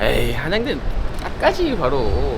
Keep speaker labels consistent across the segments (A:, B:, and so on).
A: 에이, 한양대 딱까지 바로.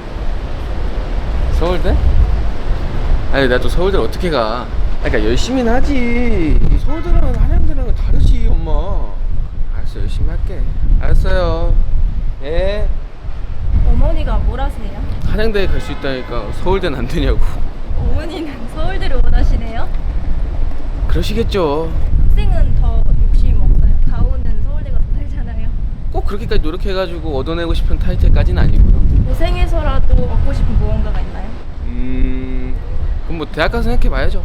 A: 서울대? 아니, 나 또 서울대 어떻게 가? 그러니까 열심히는 하지. 서울대랑 한양대랑은 다르지, 엄마. 알았어, 열심히 할게. 알았어요. 예.
B: 어머니가 뭘 하세요?
A: 한양대에 갈 수 있다니까 서울대는 안 되냐고.
B: 어머니는 서울대를 원하시네요?
A: 그러시겠죠.
B: 학생은 더 욕심 없어요? 가오는 서울대가 더 살잖아요.
A: 꼭 그렇게까지 노력해가지고 얻어내고 싶은 타이틀까지는 아니고요.
B: 고생해서라도 얻고 싶은 무언가가 있나요?
A: 그럼 뭐 대학 가서 생각해봐야죠.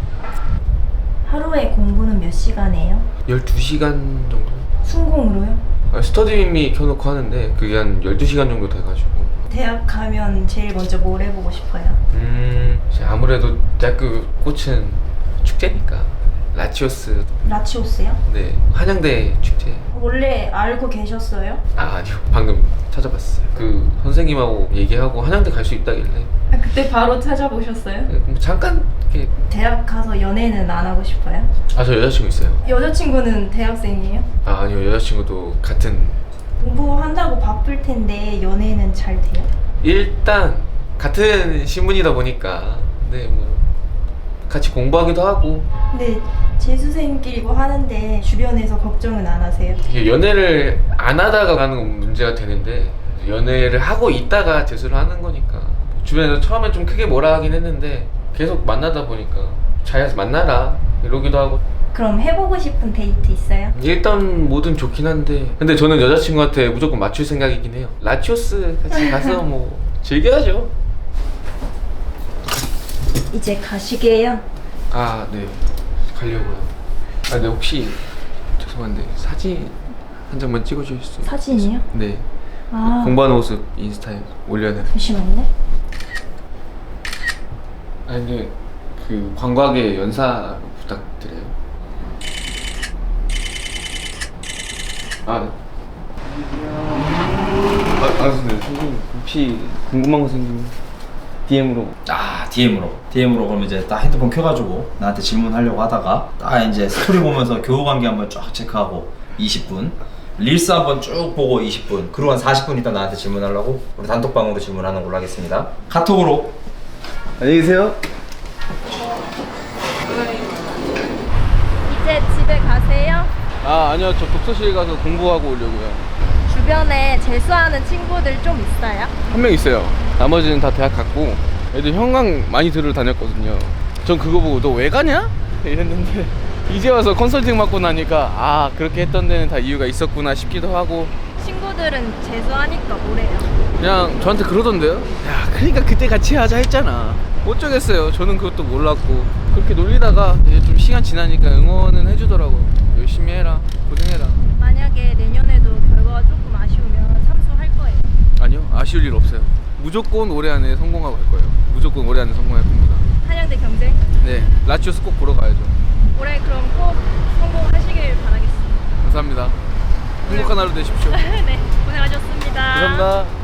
B: 하루에 공부는 몇 시간 해요?
A: 12시간 정도?
B: 순공으로요?
A: 스터디미 켜놓고 하는데 그게 한 12시간 정도 돼가지고.
B: 대학 가면 제일 먼저 뭘 해보고 싶어요?
A: 이제 아무래도 대학교 꽃은 축제니까 라치오스.
B: 라치오스요?
A: 네, 한양대 축제.
B: 원래 알고 계셨어요?
A: 아니요, 방금 찾아봤어요. 그 선생님하고 얘기하고 한양대 갈 수 있다길래
B: 그때 바로 찾아보셨어요?
A: 그럼 잠깐 이렇게.
B: 대학 가서 연애는 안 하고 싶어요?
A: 저 여자친구 있어요.
B: 여자친구는 대학생이에요?
A: 아니요, 여자친구도 같은.
B: 공부한다고 바쁠 텐데 연애는 잘 돼요?
A: 일단 같은 신문이다 보니까 네, 뭐 같이 공부하기도 하고.
B: 근데 재수생끼리 뭐 하는데 주변에서 걱정은 안 하세요?
A: 이게 연애를 안 하다가 가는 건 문제가 되는데 연애를 하고 있다가 재수를 하는 거니까 주변에서 처음에 좀 크게 뭐라 하긴 했는데 계속 만나다 보니까 잘 만나라 이러기도 하고.
B: 그럼 해보고 싶은 데이트 있어요?
A: 일단 뭐든 좋긴 한데 근데 저는 여자친구한테 무조건 맞출 생각이긴 해요. 라치오스 같이 가서 뭐 즐겨야죠.
B: 이제 가시게요?
A: 네, 가려고요. 근데 혹시 죄송한데 사진 한 장만 찍어주실 수 있어요?
B: 사진이요?
A: 네.
B: 아,
A: 공부하는 모습 인스타에 올려야 돼요.
B: 잠시만요.
A: 근데 그 광고하게 연사 부탁드려요. 선생님 혹시 궁금한 거 생기면 DM으로.
C: DM으로 그러면 이제 딱 핸드폰 켜가지고 나한테 질문하려고 하다가 딱 이제 스토리 보면서 교우관계 한번 쫙 체크하고 20분, 릴스 한번 쭉 보고 20분, 그리고 한 40분 있다 나한테 질문하려고 우리 단톡방으로 질문하는 걸로 하겠습니다. 카톡으로.
A: 안녕히 계세요.
B: 이제 집에 가세요?
A: 아니요, 저 독서실 가서 공부하고 오려고요.
B: 주변에 재수하는 친구들 좀 있어요?
A: 한 명 있어요. 나머지는 다 대학 갔고 애들 형광 많이 들으러 다녔거든요. 전 그거 보고 너 왜 가냐? 이랬는데 이제 와서 컨설팅 받고 나니까 그렇게 했던 데는 다 이유가 있었구나 싶기도 하고.
B: 친구들은 재수하니까 뭐래요?
A: 그냥 저한테 그러던데요. 야, 그러니까 그때 같이 하자 했잖아. 어쩌겠어요. 저는 그것도 몰랐고 그렇게 놀리다가 이제 좀 시간 지나니까 응원은 해주더라고요. 열심히 해라, 고생해라.
B: 만약에 내년에도 결과가 조금 아쉬우면 삼수할 거예요?
A: 아니요, 아쉬울 일 없어요. 무조건 올해 안에 성공하고 갈 거예요. 무조건 올해 안에 성공할 겁니다.
B: 한양대 경쟁?
A: 네, 라치오스 꼭 보러 가야죠.
B: 올해 그럼 꼭 성공하시길 바라겠습니다.
A: 감사합니다. 행복한 하루 되십시오.
B: 네, 고생하셨습니다.
A: 감사합니다.